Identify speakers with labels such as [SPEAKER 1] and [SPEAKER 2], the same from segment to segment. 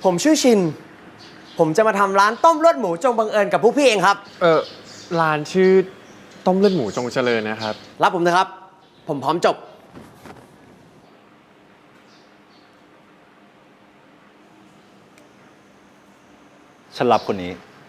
[SPEAKER 1] ผมชื่อชิน ผมจะมาทำร้านต้มเลือดหมูจงบังเอิญกับพวกพี่เองครับ
[SPEAKER 2] ร้านชื่อต้มเลือดหมูจงเจริญนะครับ
[SPEAKER 1] รับผมนะครับ ผมพร้อมจบ
[SPEAKER 3] ฉันรับคนนี้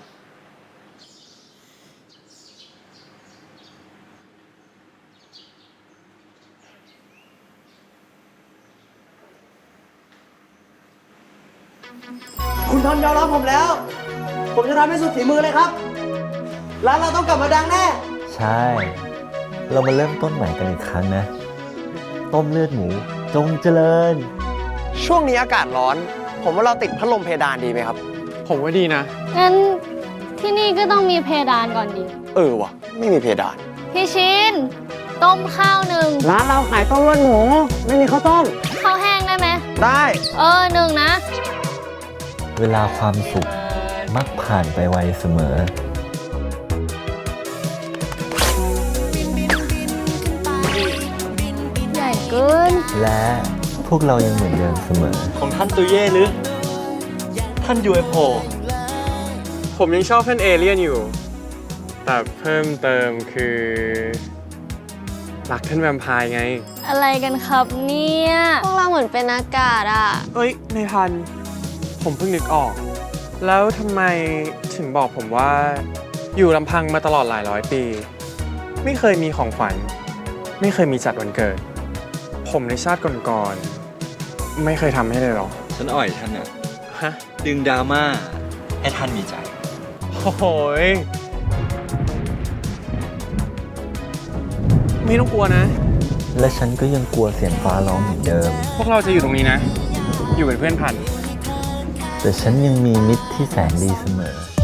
[SPEAKER 1] คุณทอนยอมรับผมแล้ว ผมจะทำให้สุดฝีมือเลยครับ ร้านเราต้องกลับมาดังแน่
[SPEAKER 4] ใช่ เรามาเริ่มต้นใหม่กันอีกครั้งนะ ต้มเลือดหมูจงเจริญ
[SPEAKER 1] ช่วงนี้อากาศร้อน ผมว่าเราติดพัดลมเพดานดีไหมครับ
[SPEAKER 2] ผมว่าดีนะ
[SPEAKER 5] งั้นที่นี่ก็ต้องมีเพดานก่อนดิ
[SPEAKER 1] ว่ะ ไม่มีเพดาน
[SPEAKER 5] พี่ชิน ต้มข้าวหนึ่ง
[SPEAKER 1] ร้านเราขายต้มเลือดหมู ไม่มีข้าวต้ม
[SPEAKER 5] ข้าวแห้งได้ไหม
[SPEAKER 1] ได้
[SPEAKER 5] หนึ่งนะ
[SPEAKER 4] เวลาความสุขมักผ่านไปไวเสมอ
[SPEAKER 5] ใหญ่เกิน
[SPEAKER 4] และพวกเรายังเหมือนเดิมเสมอ
[SPEAKER 3] ของท่านตุเย่หรือ ท่าน UFO
[SPEAKER 2] ผมยังชอบท่านเอเลี่ยนอยู่ แต่เพิ่มเติมคือ รักท่านแวมไพร์ไง
[SPEAKER 5] อะไรกันครับเนี่ย
[SPEAKER 6] พวกเราเหมือนเป็นอากาศอ่ะ
[SPEAKER 2] เอ้ยในพัน ผมเพิ่งนึกออก แล้วทำไมถึงบอกผมว่า อยู่ลำพังมาตลอดหลายร้อยปี ไม่เคยมีของขวัญ ไม่เคยมีจัดวันเกิด ผมในชาติก่อนๆไม่เคยทำให้เลยหรอ
[SPEAKER 3] ฉันอ่อยท่านน่ะ
[SPEAKER 2] ฮะ
[SPEAKER 3] ดึงดราม่าให้ท่านมีใจ
[SPEAKER 2] โอ้โหยไม่ต้องกลัวนะ
[SPEAKER 4] และฉันก็ยังกลัวเสียงฟ้าร้องเหมือนเดิม
[SPEAKER 2] พวกเราจะอยู่ตรงนี้นะ อยู่เป็นเพื่อนพัน
[SPEAKER 4] แต่ฉันยังมีมิตรที่แสนดีเสมอ